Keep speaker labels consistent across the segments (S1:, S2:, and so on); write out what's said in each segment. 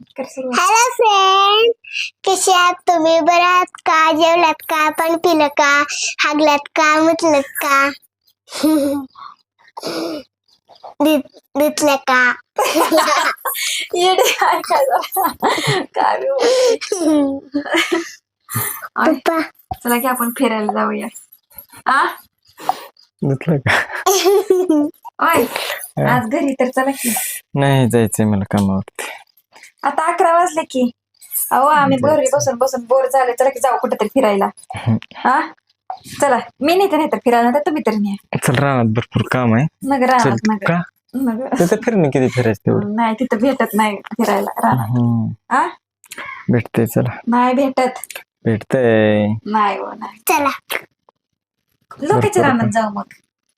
S1: Hello friend, कसे आहात तुम्ही? बरं आहात का? जेवलात का? पाणी पिलं का? हागलात का? मुतलत का? धुतलं का?
S2: येडे काय काय काय
S1: पप्पा
S2: चला की आपण फिरायला जाऊया. आ
S3: धुतलं का?
S2: ओय आज घरी तर चला की.
S3: नाही जायचंय मला कामावरती.
S2: आता 11 वाजले की. अहो आम्ही घरी बसून बसून बोर झाले. चला की जाऊ कुठेतरी फिरायला. हा चला, मी नाही तर फिरायला तर तुम्ही तर नाही.
S3: चल, रानात भरपूर काम आहे.
S2: मग राहणार मग
S3: का तिथं फिरणं किती फिरायचं तेवढं?
S2: नाही तिथं भेटत नाही फिरायला राहणार. आ
S3: भेटतंय. चला
S2: नाही भेटत.
S3: भेटतंय.
S2: नाही हो नाही.
S1: चला
S2: लोकांच्या रानात जाऊ मग.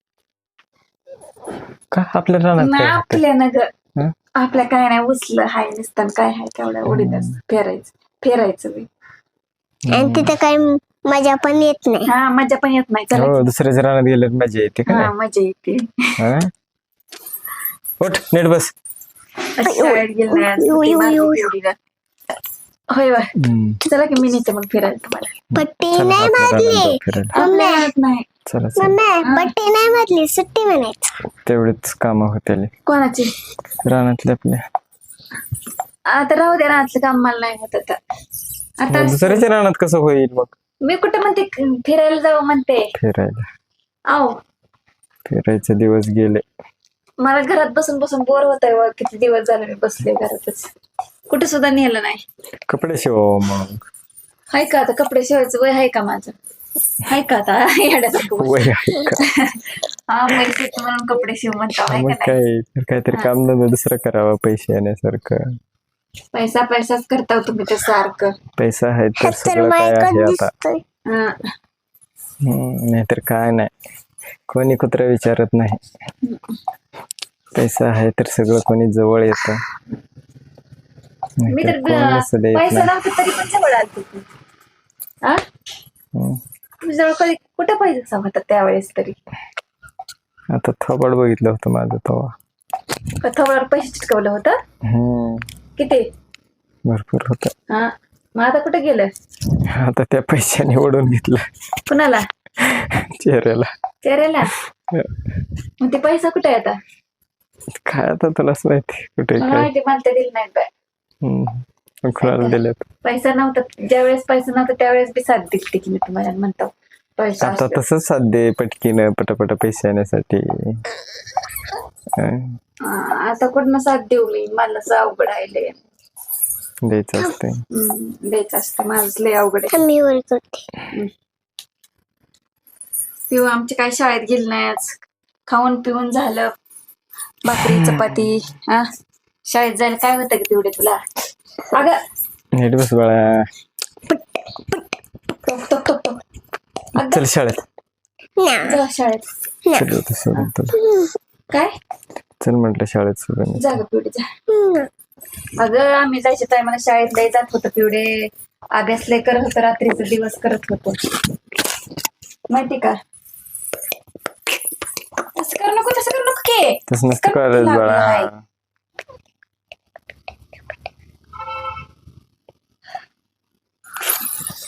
S3: का आपल्या रानात
S2: नाही
S3: काय होतंय?
S2: आपल्या ना ग
S3: हं?
S2: आपल्या काय नाही उचलं हाय नसतं काय हाय तेवढ्या उडीत फिरायचं बी.
S1: आणि तिथं काही मजा पण येत नाही.
S2: हा मजा पण येत नाही. चला
S3: हो, दुसऱ्याच्या रानात गेल्यावर मजा येते का
S2: हा
S3: नाही?
S2: मजा येते.
S3: हा? उठ, नीट बस.
S2: शाळेत गेलं नाही आज, सुट्टी मारली तेवढीला. होय होय. चला की मी नेते मग फिरायला तुम्हाला.
S1: पट्टी
S3: चला,
S1: नाही
S3: आपल्या रानात
S1: मारली.
S3: जाऊ फिरायला.
S2: आपल्या रानात नाही.
S3: चला चला.
S1: मम्मी पट्टी नाही मारली, सुट्टी म्हणायचं.
S3: तेवढेच काम होते
S2: कोणाची?
S3: रानातले आपल्या.
S2: आता राहू दे रानातलं काम मला नाही होत आता. आता
S3: दुसऱ्याच्या रानात कसं होईल मग?
S2: मी कुठे म्हणते फिरायला जाऊ म्हणते.
S3: फिरायला
S2: आहो
S3: फिरायचे दिवस गेले.
S2: मला घरात बसून बसून बोर होत आहे. किती दिवस झाले मी बसले घरातच. कुठे सुद्धा नेलं नाही.
S3: कपडे शिव मग.
S2: हाय का आता कपडे शिवायचं वय आहे का माझं? हाय का आता येड्यासारखं
S3: वय आहे का?
S2: हा पैसे म्हणून कपडे शिव म्हणता हाय
S3: मग
S2: का नाही?
S3: काय काहीतरी काम धंदा दुसरं करावं पैसे येण्यासारखं.
S2: पैसाच करता तुम्ही ते सारखं.
S3: पैसा आहे तर
S1: तर
S3: सगळं काय
S1: मायकच
S3: आहे आता.
S1: दिसतोय.
S2: हा.
S3: नाहीतर काय नाही. कोणी कुत्रा विचारत नाही. पैसा आहे तर सगळं कोणी जवळ येत.
S2: मी तर
S3: कोण देत
S2: पैसा
S3: नाही.
S2: नव्हता तरी पण जवळ आलते की. हा तुम्ही जवळ कधी कुठे पैसा होता त्यावेळेस तरी?
S3: आता थोबाड बघितलं होतं माझं तेव्हा.
S2: थोड्यावर पैसे चिटकवलं होतं. किती?
S3: भरपूर होत.
S2: हा मग आता कुठे गेलं?
S3: आता त्या पैशाने ओढून घेतलं
S2: कुणाला?
S3: चेहऱ्याला.
S2: मग ते पैसा कुठे आहे आता?
S3: काय आता तुलाच माहिती कुठे
S2: मला
S3: काय.
S2: माहिती मला तर दिलं नाही बाय.
S3: कुणाला दिलेत?
S2: पैसा नव्हता ज्यावेळेस पैसा नव्हता त्यावेळेस बी साथ दिली की मी तुम्हाला म्हणतो. पैसा
S3: आता
S2: असला.
S3: तसंच साध्य पटकीनं पटापट पैसे येण्यासाठी.
S2: आता कुठनं साथ देऊ मी? मला असं अवघड आहे.
S3: द्यायचं असते.
S2: द्यायचं असतं माझं लय अवघड आहे.
S1: मी वरच होते.
S2: पिऊ आमची काही शाळेत गेली नाही आज. खाऊन पिऊन झालं. भाकरी चपाती. हा शाळेत जायला काय होतं की तेवढे तुला? अगं
S3: नीट बस बाळा.
S2: अगं
S3: चल शाळेत.
S2: जा शाळेत.
S3: चल होतं सोडून तुला.
S2: काय?
S3: चल म्हटलं शाळेत सोडून.
S2: जा ग पिवडे जा. अगं आम्ही जायच्या टायमाला शाळेत लय जात होतो पिवडे. अभ्यास लय करत होतो. रात्रीचा दिवस करत होतो माहिती का? असं करू नको तसं करू नको की.
S3: तसं नसतं करायचं बाळा.